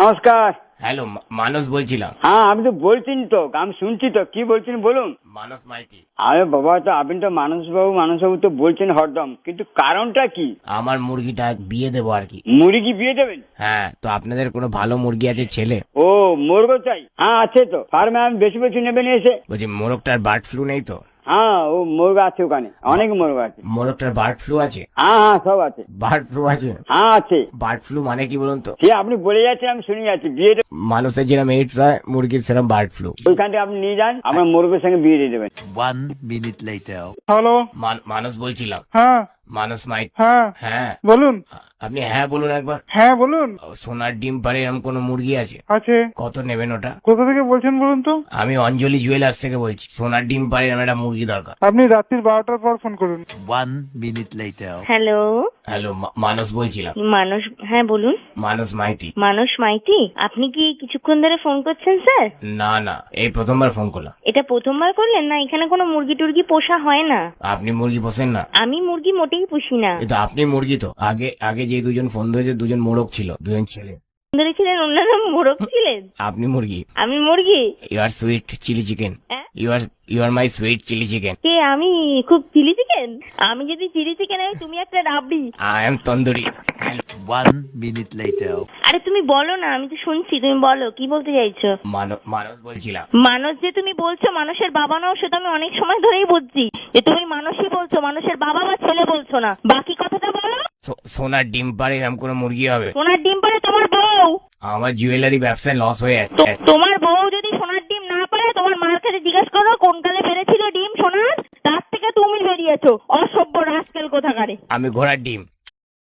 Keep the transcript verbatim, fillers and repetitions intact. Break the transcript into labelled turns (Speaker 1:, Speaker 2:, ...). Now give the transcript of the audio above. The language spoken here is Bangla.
Speaker 1: নমস্কার।
Speaker 2: হ্যালো, মানস বলছিলাম।
Speaker 1: হ্যাঁ, আপনি তো বলছেন তো, আমি শুনছি তো, কি বলছেন বলুন।
Speaker 2: মানস মাইতি।
Speaker 1: আরে বাবা, তো আপনি তো মানসবাবু মানসবাবু তো বলছেন হরদম, কিন্তু কারণটা কি?
Speaker 2: আমার মুরগিটা বিয়ে দেবো আর কি।
Speaker 1: মুরগি বিয়ে দেবেন?
Speaker 2: হ্যাঁ, তো আপনাদের কোনো ভালো মুরগি আছে ছেলে?
Speaker 1: ও, মোরগ চাই? হ্যাঁ আছে তো, ফার্মে আমি বেশি বেশি নেবেন এসে।
Speaker 2: বলছি মোরগটার বার্ড ফ্লু নেই তো?
Speaker 1: হ্যাঁ, ও মুরগ আছে, ওখানে অনেক মুরগ আছে।
Speaker 2: মোরগটার বার্ড ফ্লু আছে?
Speaker 1: হ্যাঁ হ্যাঁ, সব আছে।
Speaker 2: বার্ড ফ্লু আছে?
Speaker 1: হ্যাঁ আছে।
Speaker 2: বার্ড ফ্লু মানে কি বলুন তো?
Speaker 1: সে আপনি বলে যাচ্ছেন, আমি শুনে যাচ্ছি। বিয়ে দেবেন?
Speaker 2: মানুষের যেরকম এইডস হয়, মুরগির সেরকম বার্ড ফ্লু।
Speaker 1: ওইখান থেকে আপনি নিয়ে যান, আমার মুরগের সঙ্গে বিয়ে দিয়ে দেবেন।
Speaker 3: One minute later.
Speaker 4: Hello.
Speaker 2: Manas বলছিলাম।
Speaker 4: হ্যাঁ
Speaker 2: মানস মাইতি।
Speaker 4: হ্যাঁ
Speaker 2: হ্যাঁ,
Speaker 4: বলুন।
Speaker 2: আপনি হ্যাঁ বলুন একবার।
Speaker 4: হ্যাঁ বলুন।
Speaker 2: সোনার ডিম পারে এরকম কোনো মুরগি আছে?
Speaker 4: আছে।
Speaker 2: কত নেবেন ওটা?
Speaker 4: কোথা থেকে বলছেন বলুন তো?
Speaker 2: আমি অঞ্জলি জুয়েলার্স থেকে বলছি। সোনার ডিম পারে এরকম একটা মুরগি দরকার।
Speaker 4: আপনি রাত্রির বারোটার পর ফোন করুন।
Speaker 3: One minute later.
Speaker 5: Hello,
Speaker 2: hello, Manas বলছিলাম।
Speaker 5: মানস, হ্যাঁ বলুন।
Speaker 2: মানস মাইতি।
Speaker 5: মানস মাইতি, আপনি কি কিছুক্ষণ ধরে ফোন করছেন স্যার?
Speaker 2: না না, এই প্রথমবার ফোন করলাম।
Speaker 5: এটা প্রথমবার করলেন? না, এখানে কোনো মুরগি টুরগি পোষা হয় না।
Speaker 2: আপনি মুরগি পোষেন না?
Speaker 5: আমি মুরগি মোটেই পুষি না।
Speaker 2: কিন্তু আপনি মুরগি তো। আগে আগে যে দুজন ফোন ধরেছে দুজন মোরগ ছিল, দুজন ছেলে।
Speaker 5: ধরেছিলেন, অন্যান্য মোরগ ছিলেন।
Speaker 2: আপনি মুরগি।
Speaker 5: আমি মুরগি?
Speaker 2: You are sweet chilli chicken.
Speaker 5: হ্যাঁ?
Speaker 2: You are you are my sweet chilli chicken.
Speaker 5: কে আমি? খুব চিলি চিকেন? আমি যদি চিলি চিকেন হয়, তুমি একটা রাবড়ি।
Speaker 2: I am tandoori.
Speaker 3: One minute later.
Speaker 5: আরে তুমি বলো না, আমি তো শুনছি, তুমি বলো কি বলতে চাইছো।
Speaker 2: মানস মানস বলছিলাম।
Speaker 5: মানুষ যে তুমি বলছো, মানুষের বাবা নাও, সেটা আমি অনেক সময় ধরেই বুঝছি যে তুমি মানুষই বলছো, মানুষের বাবা বা ছেলে বলছো না। বাকি কথাটা বলো।
Speaker 2: সো- সোনার ডিম পারে এরকম কোনো মুরগি হবে?
Speaker 5: সোনার ডিম পারে তোমার বউ।
Speaker 2: আমার জুয়েলারি ব্যবসায় লস হয়ে
Speaker 5: তো
Speaker 2: যাচ্ছে।
Speaker 5: তোমার বউ যদি সোনার ডিম না পারে, তোমার মার কাছে জিজ্ঞেস করো কোন কালে পেরেছিল ডিম সোনার, তার থেকে তুমি বেরিয়েছো অসভ্য রাস্কেল কোথাকারে।
Speaker 2: আমি ঘোড়ার ডিম।